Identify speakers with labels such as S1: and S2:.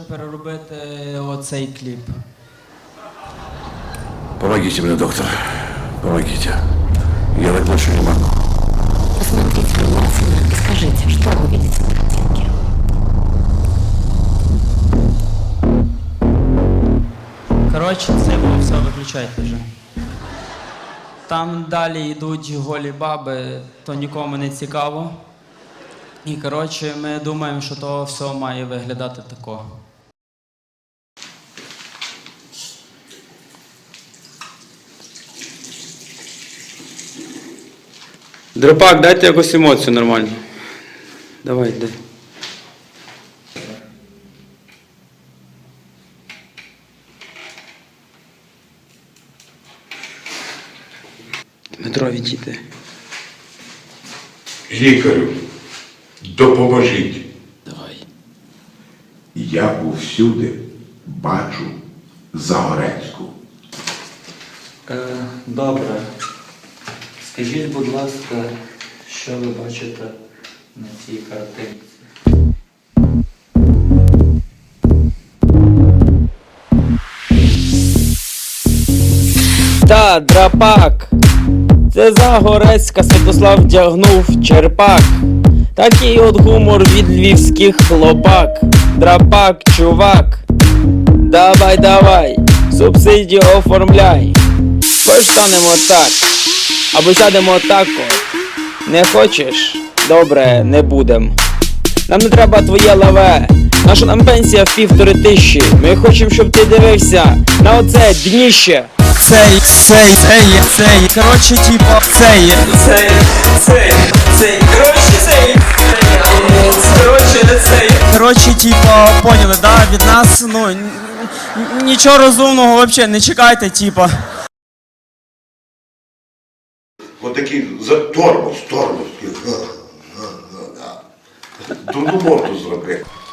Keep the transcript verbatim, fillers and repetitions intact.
S1: переробити оцей кліп.
S2: Помогите мне, доктор. Помогите. Я так больше не могу.
S3: Посмотрите внимательно и скажите, что вы видите на картинке.
S1: Коротше, це було все, виключайте вже. Там далі йдуть голі баби, то нікому не цікаво. І, коротше, ми думаємо, що то все має виглядати тако.
S4: Дропак, дайте якусь емоцію нормальну. Давай, йди. Дмитро, відійди.
S2: Лікарю, допоможіть.
S4: Давай.
S2: Я повсюди бачу Загорецьку.
S1: Е, добре. Скажіть, будь ласка, що ви бачите на цій картинці?
S4: Та, драпак. Це Загорецька, Святослав вдягнув черпак. Такий от гумор від львівських хлопак. Драпак, чувак. Давай, давай, субсидію оформляй. Постанемо так, або сядемо так от. Не хочеш? Добре, не будем. Нам не треба твоє лаве. Наша нам пенсія в півтори тисячі. Ми хочемо, щоб ти дивився на оце дніще.
S5: Цей, цей, цей, цей, коротше, типа, цей,
S1: Цей, цей, цей, коротше, цей, коротше, не цей.
S5: коротше, типа, поняли, да, від нас, ну, н- н- нічого розумного вообще не чекайте, типа.
S2: Отакий за тормоз, тормоз. Дурну морду зробив.